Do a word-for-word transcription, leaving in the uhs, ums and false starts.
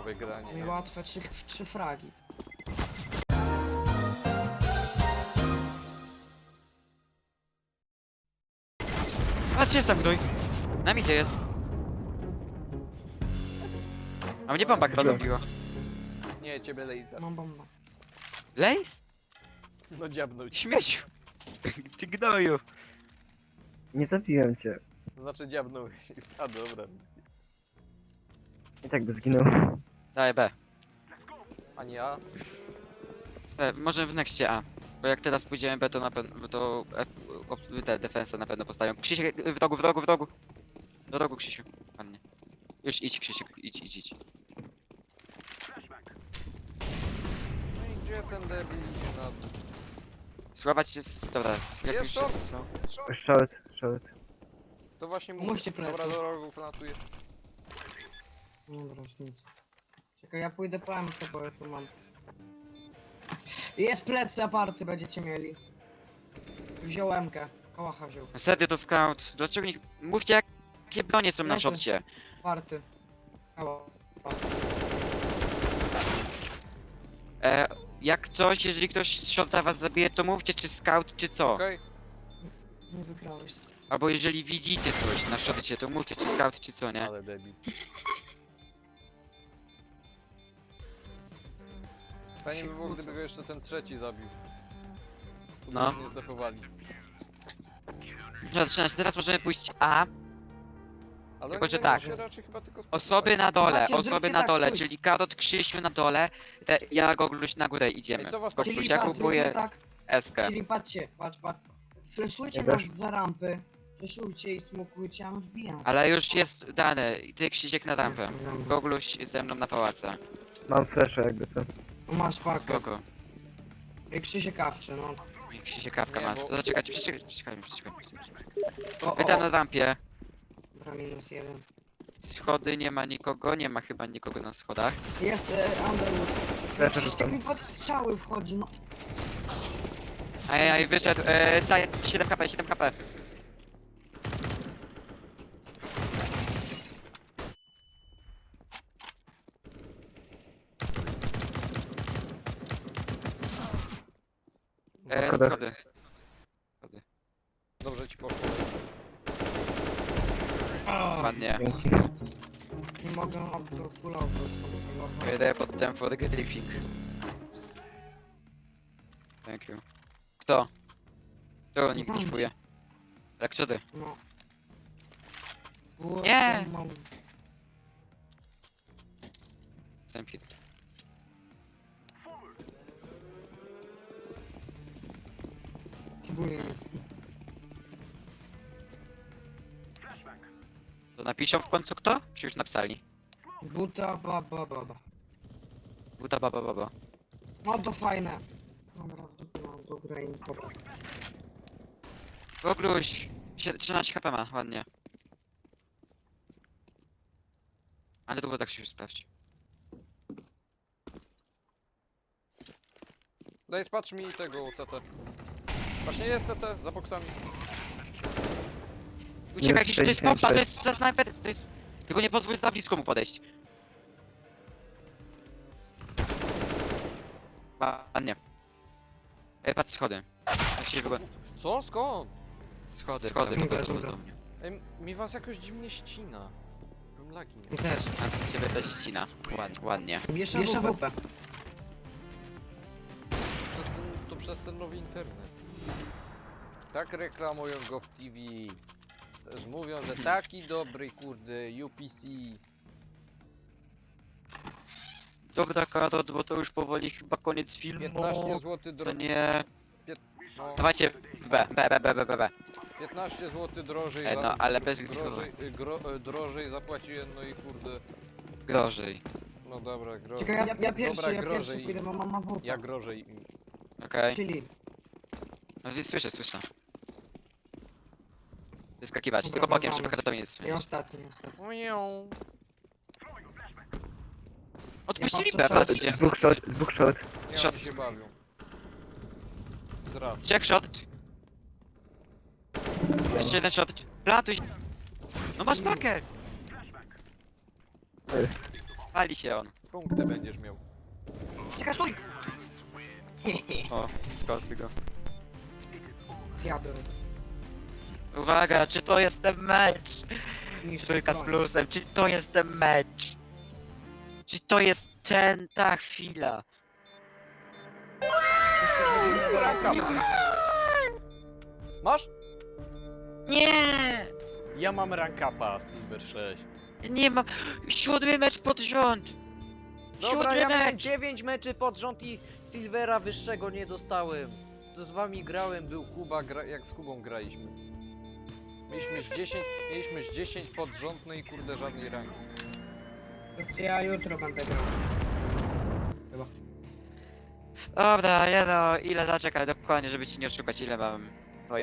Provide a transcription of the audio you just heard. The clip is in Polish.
teamowe granie. No i łatwe, trzy, trzy fragi. Patrz, jest tam ktoś. Na micie jest. A mnie bomba chyba zabiła. Nie, ciebie laser. Mam bombę. Lejs? No dziabnął ci. Śmieciu. Ty gnoju. Nie zabiłem cię. Znaczy dziabnął. A dobra. I tak by zginął. Daj B. A nie ja? E, może w nexcie A. Bo jak teraz pójdziemy B, to na pewno to F, op- te defensa na pewno postawią. Krzysiek, w rogu, w rogu, w rogu. Do rogu, Krzysiu. Ładnie. Już idź, Krzysiek, idź, idź, idź. No i gdzie ten debil idzie na dół? Sławać jest... Dobra, jak Jest już short. wszyscy są. Short, short. To właśnie mówię. Pomóżcie plecy. Dobra, do rogu plantuję. Dobra, już nic. Czekaj, ja pójdę po M K, bo ja tu mam. Jest plecy aparty, będziecie mieli. Wziął M K. Kałacha wziął. Serio to scout. Dlaczego nie... Mówcie jakie bronie są na Lecę. szorcie. Aparty. Kałacha. E, jak coś, jeżeli ktoś z shorta was zabije, to mówcie czy scout, czy co. Okej? Nie wygrałeś. Albo jeżeli widzicie coś na shorcie, to mówcie czy scout, czy co, nie? Ale debil. Fajnie by było, gdyby go jeszcze ten trzeci zabił. Tu No. by Nie zdefowali. No, zaczynać. Teraz możemy pójść A. Ale Tylko, oni że będą tak. się raczej chyba tylko Osoby na dole, Zobaczcie, osoby zróbcie na tak, dole, stój. czyli Karot, Krzysiu na dole, te, ja Gogluś na górę idziemy. Ej, co was Gogluś, Czyli ja tak, kupuję zróbmy tak, eskę. czyli patrzcie, patrz, patrz. Fleszujcie Ja nas też. za rampy. Fleszujcie i smokujcie, a my wbijamy. Ale już jest dane, i ty Krzysiek na rampę. Gogluś ze mną na pałace. Mam flasha jakby co. Masz pakę. Spoko. I Krzysiek kawczy, no. I Krzysiek kawka Nie, ma. bo- To zaczekajcie, przeczekajcie, przeczekajcie, przeczekajcie. O, Wy tam o, na rampie. Dobra, minus jeden. Schody nie ma nikogo, nie ma chyba nikogo na schodach. Jest e, Underwood. Flasha Krzysiek rzucam. mi pod strzały wchodzi, no. Ajaj, wyszedł, e, side, siedem HP, siedem HP. E, Schodach. schody. Dobrze ci poszło. Ładnie. Dzięki. Nie mogę auto full auto spokojnie. Jedę potem for griefing. Thank you. Kto? Kto nikt Tam. griefuje? Jak co ty? No. Było, Nie. co mam- Sempit. Kibuję. To napiszą w końcu kto? Czy już napisali? Buta, baba, baba. Buta baba baba. No to fajne. Dobra, w dupie mam do gry i dobra. Gogluś! Sie- trzynaście HP ma, ładnie. Ale długo tak się już sprawdzi. Daj, spacz mi tego C T. Właśnie jest C T, za boksami. Uciekaj, jakiś to jest sześćdziesiąt pompa, to sześć. jest za snajper, to jest... Tylko nie pozwól za blisko mu podejść. Ładnie. Ej, patrz schody. Ja się wygląda. Co? Skąd? Schody, schody, Dobra, wychodzą dobra. do mnie. Ej, mi was jakoś dziwnie ścina. Mam lagi, nie? I też. A z ciebie też ścina. Ładnie, ładnie. Bierz A W P. Przez ten, to przez ten nowy internet. Tak reklamują go w T V. Też mówią, że taki dobry, kurde, U P C. Dobra, Karot, bo to już powoli chyba koniec filmu. piętnaście złotych Co dro... nie... no, Dawajcie B, B, B, B, B, B, B. piętnaście złotych drożej E, za... no, ale bez drożej, y, gro, y, drożej zapłaciłem, no i kurde... Grożej. No dobra, gro... Czekaj, ja, ja pierwszy, Dobra, ja pierwszy grożej. pójdę, bo mam A W P. Ja grożej. Okej. Czyli. No więc słyszę, słyszę. Wyskakiwać, Dobra, tylko bokiem, dawamy. żeby Karatowi nie I słyszeć. ostatni, ostatni. Miau. Odpuścili Ja B, patrzę, patrzcie. Dwóch short, dwóch short. Nie, Shot. oni się bawią. Zrad. Trzech shot. Jeszcze jeden shot. Plantuj. No masz pakę. Ej. Pali się on. Punkty będziesz miał. Czekaj, stój! O, skosy go. Zjadłem. Uwaga, czy to jest ten mecz? Niż Trójka z plusem, czy to jest ten mecz? Czy to jest ten, ta chwila? Masz? Nie! Ja mam rankapa Silver sześć. Nie mam. Siódmy mecz pod rząd! Dobra, Siódmy ja miałem mecz! dziewięć meczy pod rząd i Silvera wyższego nie dostałem. To z wami grałem, był Kuba, gra, jak z Kubą graliśmy. Mieliśmy z dziesięć, mieliśmy z dziesięć pod rząd, no i kurde żadnej ranki. Ja jutro będę grał. Chyba. Dobra, nie no, ile zaczekaj dokładnie, żeby ci nie oszukać, ile mam.